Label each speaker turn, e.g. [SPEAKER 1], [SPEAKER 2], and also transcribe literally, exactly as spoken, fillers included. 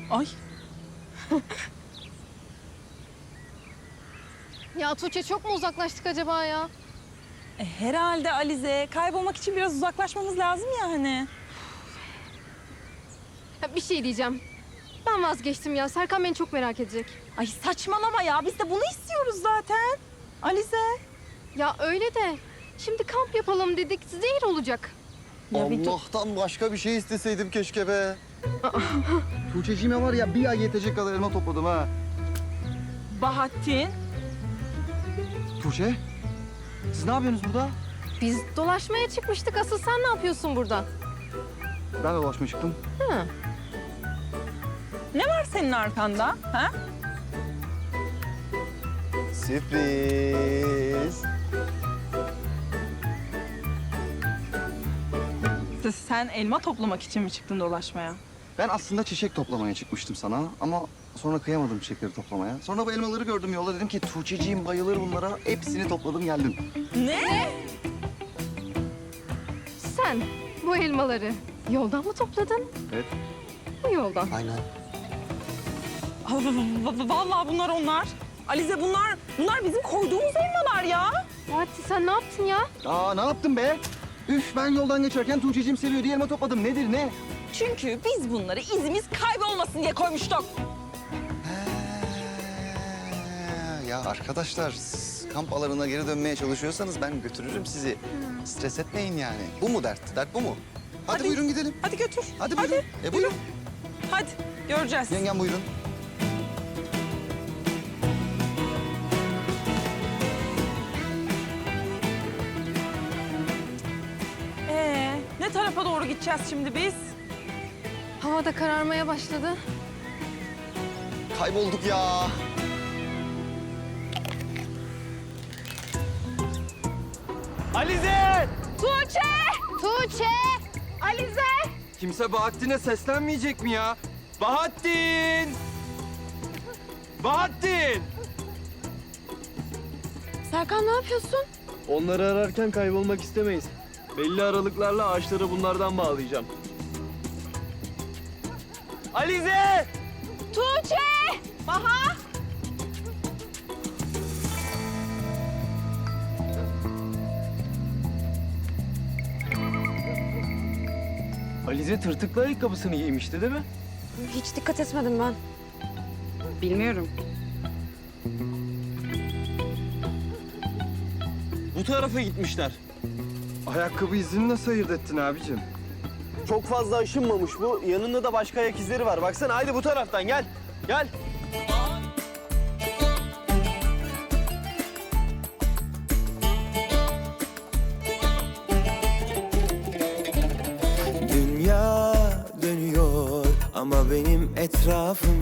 [SPEAKER 1] Ay.
[SPEAKER 2] Ya Tuğçe çok mu uzaklaştık acaba ya?
[SPEAKER 1] E, herhalde Alize. Kaybolmak için biraz uzaklaşmamız lazım ya hani.
[SPEAKER 2] Ya bir şey diyeceğim. Ben vazgeçtim ya. Serkan beni çok merak edecek.
[SPEAKER 1] Ay saçmalama ya. Biz de bunu istiyoruz zaten. Alize.
[SPEAKER 2] Ya öyle de şimdi kamp yapalım dedik. Zehir olacak.
[SPEAKER 1] Ya bir dur.
[SPEAKER 3] Allah'tan başka bir şey isteseydim keşke be. Tuğçe'cime var ya bir ay yetecek kadar elma topladım ha.
[SPEAKER 1] Bahattin.
[SPEAKER 3] Tuğçe, siz ne yapıyorsunuz burada?
[SPEAKER 2] Biz dolaşmaya çıkmıştık. Asıl sen ne yapıyorsun burada?
[SPEAKER 3] Ben de dolaşmaya çıktım.
[SPEAKER 2] Ha.
[SPEAKER 1] Ne var senin arkanda? Ha?
[SPEAKER 3] Sürpriz.
[SPEAKER 1] Sen elma toplamak için mi çıktın dolaşmaya?
[SPEAKER 3] Ben aslında çiçek toplamaya çıkmıştım sana ama sonra kıyamadım çiçekleri toplamaya. Sonra bu elmaları gördüm yolda, dedim ki Tuğçe'ciğim bayılır bunlara. Hepsini topladım geldim.
[SPEAKER 1] Ne?
[SPEAKER 2] Sen bu elmaları yoldan mı topladın?
[SPEAKER 3] Evet.
[SPEAKER 2] Bu yoldan.
[SPEAKER 3] Aynen.
[SPEAKER 1] Vallahi bunlar onlar. Alize bunlar, bunlar bizim koyduğumuz elmalar ya.
[SPEAKER 2] Fatih sen ne yaptın ya?
[SPEAKER 3] Aa ne yaptım be? Üf, ben yoldan geçerken Tuğçe'ciğim seviyor diye elma topladım. Nedir ne?
[SPEAKER 1] Çünkü biz bunları izimiz kaybolmasın diye koymuştuk.
[SPEAKER 3] He, ya arkadaşlar, siz kamp alanına geri dönmeye çalışıyorsanız ben götürürüm sizi. Stres etmeyin yani. Bu mu dert? Dert bu mu? Hadi,
[SPEAKER 1] Hadi.
[SPEAKER 3] buyurun gidelim.
[SPEAKER 1] Hadi götür.
[SPEAKER 3] Hadi buyurun. E buyurun.
[SPEAKER 1] Hadi göreceğiz.
[SPEAKER 3] Yengem buyurun.
[SPEAKER 1] Ee, ne tarafa doğru gideceğiz şimdi biz?
[SPEAKER 2] Hava da kararmaya başladı.
[SPEAKER 3] Kaybolduk ya.
[SPEAKER 4] Alize!
[SPEAKER 2] Tuğçe! Tuğçe! Alize!
[SPEAKER 4] Kimse Bahattin'e seslenmeyecek mi ya? Bahattin! Bahattin!
[SPEAKER 2] Serkan ne yapıyorsun?
[SPEAKER 4] Onları ararken kaybolmak istemeyiz. Belli aralıklarla ağaçları bunlardan bağlayacağım. Alize!
[SPEAKER 1] Tuğçe! Baha!
[SPEAKER 4] Alize tırtıklı ayakkabısını giymişti değil mi?
[SPEAKER 2] Hiç dikkat etmedim ben.
[SPEAKER 1] Bilmiyorum.
[SPEAKER 4] Bu tarafa gitmişler. Ayakkabı izini nasıl ayırt ettin abicim? Çok fazla aşınmamış bu. Yanında da başka ayak izleri var. Baksana, haydi bu taraftan gel. Gel.
[SPEAKER 5] Dünya dönüyor ama benim etrafım